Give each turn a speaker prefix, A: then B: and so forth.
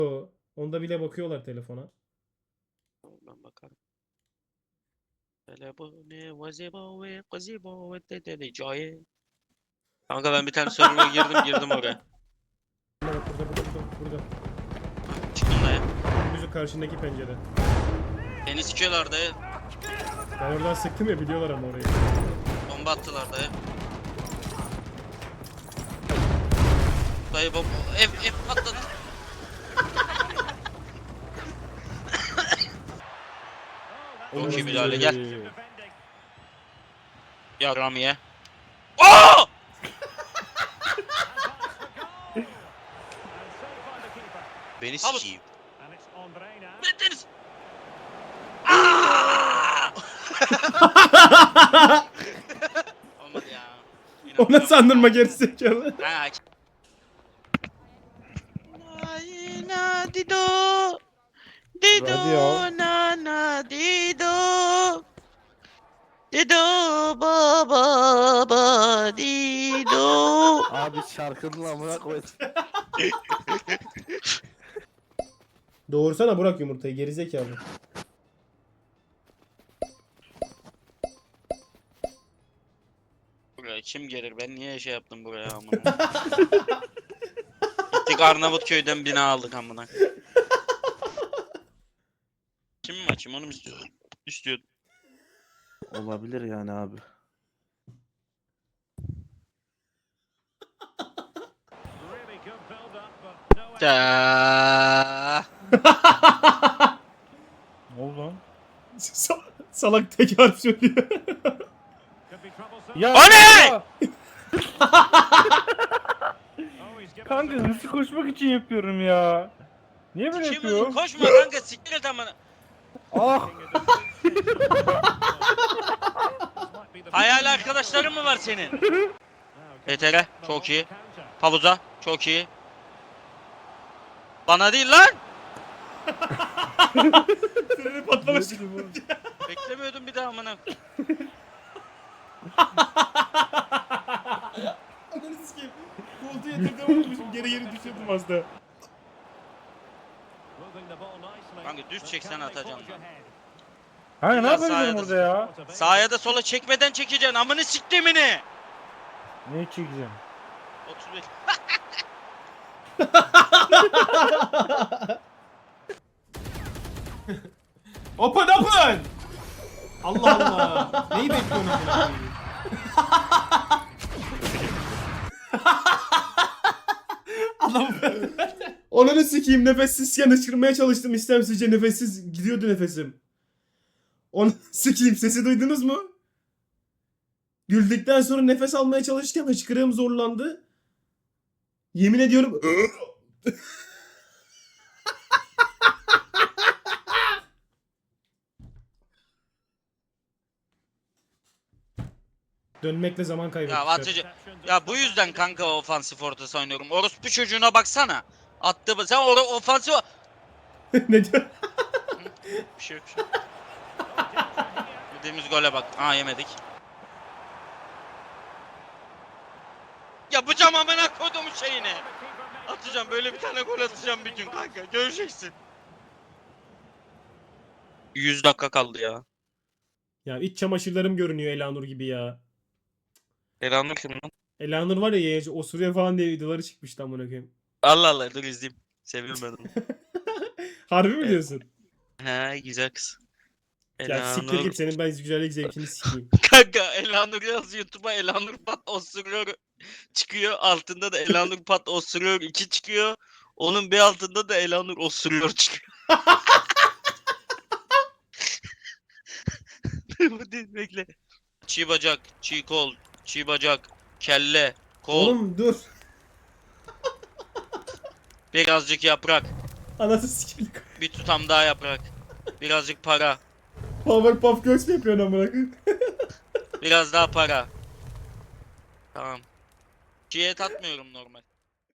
A: Onda bile bakıyorlar telefona.
B: Ben bakarım. Telefonu vazibo ve gazibo ve dedeli caye. Kanka ben bir tane server'a girdim oraya.
A: Burada.
B: Ha, çıktım dayı.
A: Müzik karşındaki pencere.
B: Beni sikiyorlar dayı.
A: Ben oradan sıktım ya, biliyorlar ama orayı.
B: Bomba attılar dayı. Dayı bomba. Ev patladı. Çok iyi müdahale, gel. Ya Ramiye. Aa!
C: Beni sikeyim.
B: Ne deniz? Aa! Olmadı ya.
A: Ona sandırma gerizekalı.
B: Ha. Na dido. Dido
D: Hadi ya.
B: na dido. Dido baba dido.
D: Abi şarkının amına koy.
A: Doğursana Burak yumurtayı, gerizekalı.
B: Buraya kim gelir? Ben niye şey yaptım buraya amına? Gittik Arnavutköy'den bina aldık amına. Kim mi açayım onu mu istiyorsun? İstiyordum.
D: Olabilir yani abi.
B: Da.
D: Ne oldu lan?
A: Salak tek harf söylüyor.
D: Ya
B: O ne?
D: ya! Kanka hızlı koşmak için yapıyorum ya. Niye böyle
B: Kim
D: yapıyorum?
B: koşma kanka siktir et amına.
D: Ah!
B: Hayal arkadaşların mı var senin? ETR çok iyi. Pavuza çok iyi. Bana değil lan.
A: Freni patlamış.
B: Beklemiyordum bir daha amına.
A: Ananı sikeyim. Koltuğu yatırdım, unutmuşum. Geri düşürdüm az da.
B: Kanka düz çeksen atacaksın lan.
D: Kanka ne
B: Biraz
D: yapabilirim
B: sahaya
D: orada ya?
B: Sağa da sola çekmeden çekeceksin amını siktimini.
D: Ne çekeceğim?
B: 31.
A: Open open! Allah Allah. Neyi bekliyorsun amına? Adam Onları sikeyim, nefessizken hıçkırmaya çalıştım istemsizce, nefessiz gidiyordu nefesim. Onu sikeyim, sesi duydunuz mu? Güldükten sonra nefes almaya çalışırken hıçkırığım zorlandı. Yemin ediyorum. Dönmekle zaman kaybettik.
B: Ya atıcı. Ya bu yüzden kanka ofansif ortası oynuyorum. Orospu çocuğuna baksana. Attı sen ofansif.
A: Ne diyor?
B: Bir şey yok. Bir şey yok. Yediğimiz gole bak. Aa yemedik. Yapacağım amına kodumun şeyini. Atacağım böyle bir tane gol atacağım bir gün kanka. Göreceksin. 100 dakika kaldı ya.
A: Ya iç çamaşırlarım görünüyor Elanur gibi ya.
B: Elanur kim lan?
A: Elanur var ya, yayıncı osuruyor falan diye videoları çıkmıştı amına koyayım.
B: Allah Allah dur izleyeyim. Seviyorum ben onu.
A: Harbi mi
B: Evet.
A: diyorsun?
B: He güzel kız.
A: Ya siktir
B: Elanur.
A: git, senin ben güzellik zevkini sikeyim.
B: Kanka Elanur yaz YouTube'a Elanur Pat osuruyor çıkıyor. Altında da Elanur Pat osuruyor 2 çıkıyor. Onun bir altında da Elanur osuruyor çıkıyor. Bu değil bekle. Çiğ bacak, çiğ kol, çiğ bacak, kelle, kol,
A: Oğlum dur.
B: birazcık yaprak,
A: Anası sikeyim.
B: bir tutam daha yaprak, birazcık para,
A: Powerpuff Girls mi yapıyorsun amına koyayım?
B: biraz daha para. Tamam. Çiğ et atmıyorum normal.